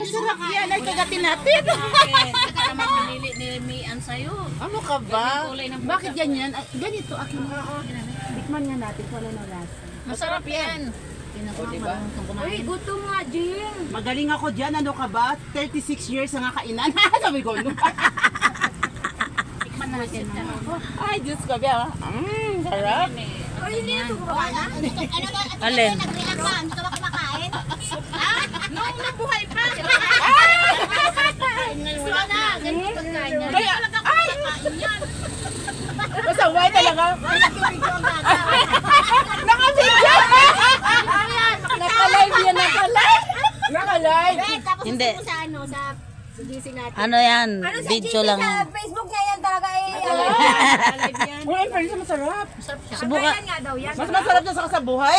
Sarap yan, ay kagatinapit. Saka naman pinili ni Mian sa'yo. Ano ka ba? Ganyan kulay ng Bakit ganyan? Ay, ganito, akin mo. Tikman nga natin, wala na lasa. Masarap yan. Diba? Uy, gutom nga, Jing. Magaling ako dyan, ano ka ba? 36 years na nga kainan. Sabi ko, no? Tikman natin. Ay, Diyos ko, biya. Sarap. Uy, hindi na ito kumakain. Alin? Nag-react ka, hindi ka ba kumakain? Nung nabuhay pa. Sana, ganito pagkain niya. Kaya, ay! Masaway talaga. Naka-video! Naka-live yan, naka-live. Naka-live. Tapos Hindi. gusto mo sa ano, sa GC natin. Ano yan? Ano sa Video GC lang. sa Facebook niya yan talaga eh. Uy, pero isa masarap. Subukan. nga daw yan. Mas masarap na sa kasabuhay.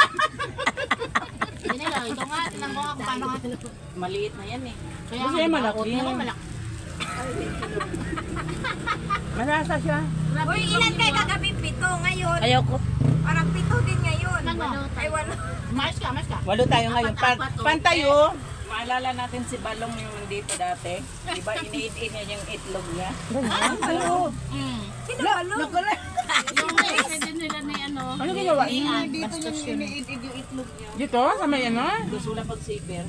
Hindi lang. Ito nga. Tingnan mo nga kung paano nga. Maliit na yan eh. Kaya Gusto niya malaki. Hindi naman malaki. Malasa siya. Uy, ilan kayo kagabi? 7 ngayon. Ayoko. Parang 7 din ngayon. Ano? Ay, 1. Mais ka. 8 tayo ngayon. Apat, oh. Pantayo. Maalala natin si Balong yung nandito dati. Diba iniit-in niya yung itlog niya? Sino ba lo? Yung mais din nila ni ano. Ano ginawa niya? Mian. Dito yung iniit-in yung itlog niya. Dito? Sa may ano? Gusto lang pag-saver.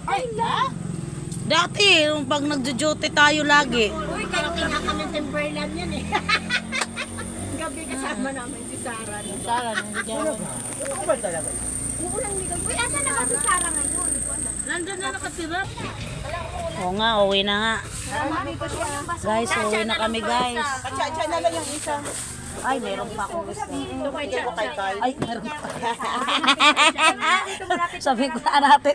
Dati, yung pag nagjo-duty tayo lagi. Uy, kayo kaya kami Timberland yan eh. Gabi kasama namin si Sarah. Sara, hindi dyan. Ano ba talaga? Uulang ligaw. Uy, asan naman si Sarah ngayon? Nandun na nakatira. Oo nga, uwi na nga. Guys, uwi na kami guys. Atsa-atsa na lang yung isa. Ay, meron pa akong gusto. Hindi ko kay-kay. Ay, meron pa. Sabi ko na natin.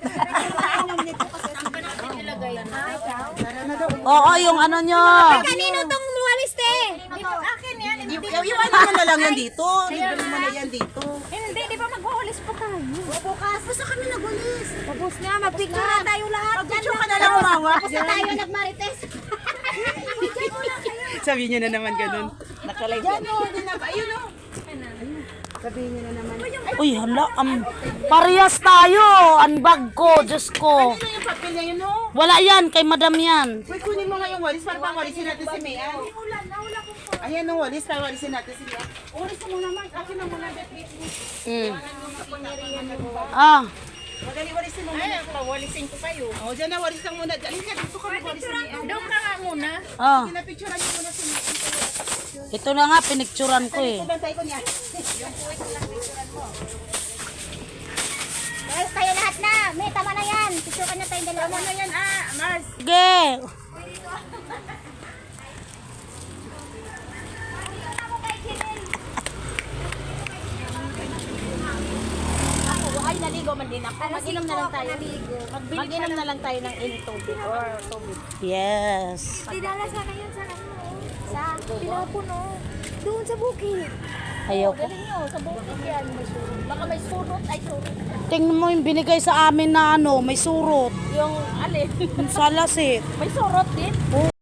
Oo, yung ano nyo. Kanino tong walis te? Akin yan. Iwanan mo na lang yan dito. Libre mo na yan dito. Hindi, di ba magwawalis pa tayo? Bukas. Basta kami nagwalis. Tapos na, magpicture na tayo lahat. Picture ka na lang umawa. Tapos na tayo nagmarites. Sabihin niyo na naman ganun. Nakalive Yan o, din na ba? Ayun o. Sabihin niyo na naman. Uy, hala. Parehas tayo. Ang bag ko, Diyos ko. Ano yung papel niya yun o? Wala yan, kay madam yan. Uy, kunin mo nga yung walis para pang walisin natin si Mian. Ayan ang walis, para walisin natin si Mian. Walis mo naman. Akin na muna, Betty. Mm. Ah, Madali walisin mo muna. Ay, walisin ko kayo. O, dyan na, walis lang muna. Dali ka, dito ka mag-walis si Mian. Doon ka nga muna. ah. Pinapicturean niyo muna si Mian. Ito na nga, pinicturan ko eh. Bantay ko niya. Guys, tayo lahat na. May tama na yan. Picture ka na tayong dalawa. Tama na yan, Mars. Sige. Ay, naligo man din ako. Mag-inom na lang tayo. Mag-inom na lang tayo ng tubig or tubig. Yes. Tinala sa kayo sa ano? Sa Pinapuno. Doon sa bukid. Ayoko. Galing nyo, sa bukid yan. May surot. Baka may surot. Ay, surot. Tingnan mo yung binigay sa amin na ano, may surot. Yung alin. Yung salas eh. May surot din.